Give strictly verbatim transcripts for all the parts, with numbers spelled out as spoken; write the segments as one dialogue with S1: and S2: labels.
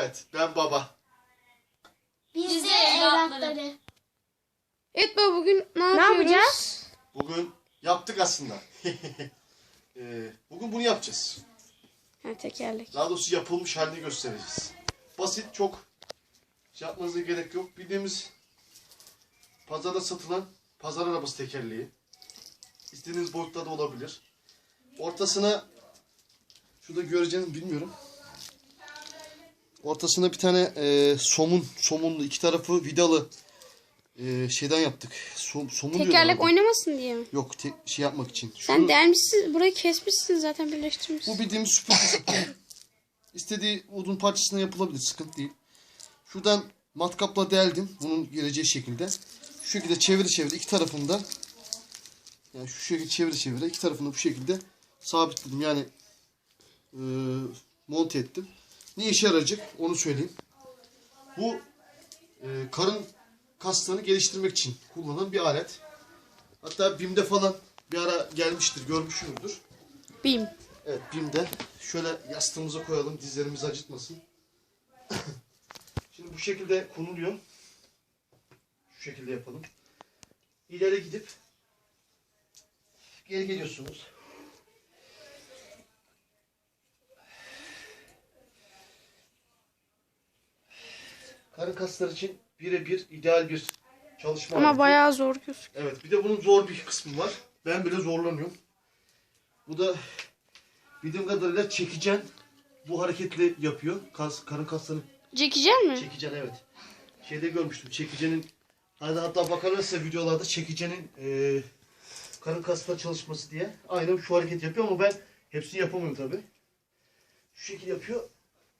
S1: Evet, ben baba.
S2: Biz de evlatları.
S3: Evet baba, bugün ne,
S2: Ne
S3: yapıyoruz?
S2: yapacağız?
S1: Bugün yaptık aslında. Ee, bugün bunu yapacağız.
S3: Ha, tekerlek.
S1: Daha doğrusu yapılmış halini göstereceğiz. Basit, çok şey yapmanıza gerek yok. Bildiğimiz pazarda satılan pazar arabası tekerleği. İstediğiniz boyutta da olabilir. Ortasına, şurada göreceğiniz bilmiyorum. Ortasına bir tane e, somun, somunlu, iki tarafı vidalı e, şeyden yaptık. Som, somun diyorum
S3: Tekerlek
S1: orada.
S3: oynamasın diye mi?
S1: Yok, te, şey yapmak için.
S3: Sen
S1: Şunu-
S3: delmişsin, burayı kesmişsin zaten, birleştirmişsin.
S1: Bu bildiğimiz süpürge. İstediği odun parçasına yapılabilir, sıkıntı değil. Şuradan matkapla deldim, bunun geleceği şekilde. Şu şekilde çevire çevire iki tarafında, yani şu şekilde çevire çevire iki tarafını bu şekilde sabitledim. Yani e, monte ettim. Ne işe yarayacak onu söyleyeyim. Bu e, karın kaslarını geliştirmek için kullanılan bir alet. Hatta BİM'de falan bir ara gelmiştir, görmüşsünüzdür.
S3: Bim.
S1: Evet, BİM'de. Şöyle yastığımıza koyalım, dizlerimizi acıtmasın. Şimdi bu şekilde konuluyor. Şu şekilde yapalım. İleri gidip geri geliyorsunuz. Karın kasları için birebir ideal bir çalışma
S3: Ama
S1: aleti.
S3: bayağı zor gözüküyor.
S1: Evet, bir de bunun zor bir kısmı var. Ben bile zorlanıyorum. Bu da bildiğim kadarıyla çekicen bu hareketli yapıyor. Kas, karın kaslarını
S3: Çekecek mi?
S1: çekicen, evet. Şeyde görmüştüm, çekicenin, hani hatta bakarlarsa videolarda çekicenin e, karın kasları çalışması diye. Aynen şu hareket yapıyor ama ben hepsini yapamıyorum tabi. Şu şekilde yapıyor.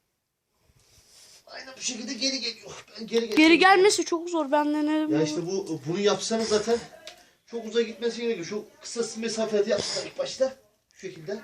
S1: Aynen bu şekilde geri geliyor. Ben geri
S3: Geri gelmesi çok zor, ben denedim.
S1: Ya
S3: bunu.
S1: işte bu bunu yapsanız zaten çok uzağa gitmesi gerekiyor. Şu kısa mesafede yapsınlar ilk başta. Şu şekilde.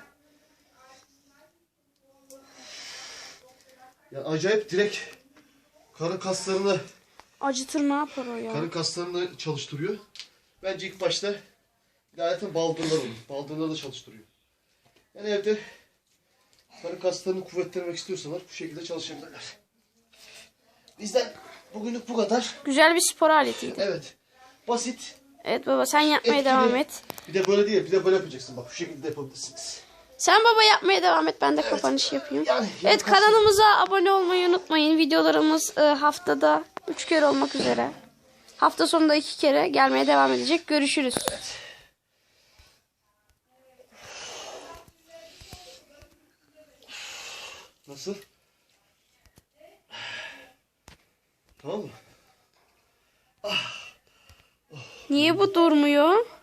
S1: Ya acayip direkt karın kaslarını
S3: Acıtır, ne yapar o ya?
S1: karın kaslarını çalıştırıyor. Bence ilk başta zaten baldırlar olur. Baldırları da çalıştırıyor. Yani evde karın kaslarını kuvvetlenmek istiyorsalar bu şekilde çalışabilirler. Bizden bugünlük bu kadar.
S3: Güzel bir spor aletiydi.
S1: Evet. Basit.
S3: Evet baba, sen yapmaya
S1: Etkili.
S3: devam et.
S1: Bir de böyle değil. Bir de böyle yapacaksın. Bak şu şekilde yapabilirsiniz.
S3: Sen baba yapmaya devam et, ben de kapanış yapayım.
S1: Yani
S3: Evet,
S1: kasım-
S3: kanalımıza abone olmayı unutmayın. Videolarımız e, haftada üç kere olmak üzere. Hafta sonunda iki kere gelmeye devam edecek. Görüşürüz.
S1: Nasıl? Tamam mı?
S3: Niye bu durmuyor?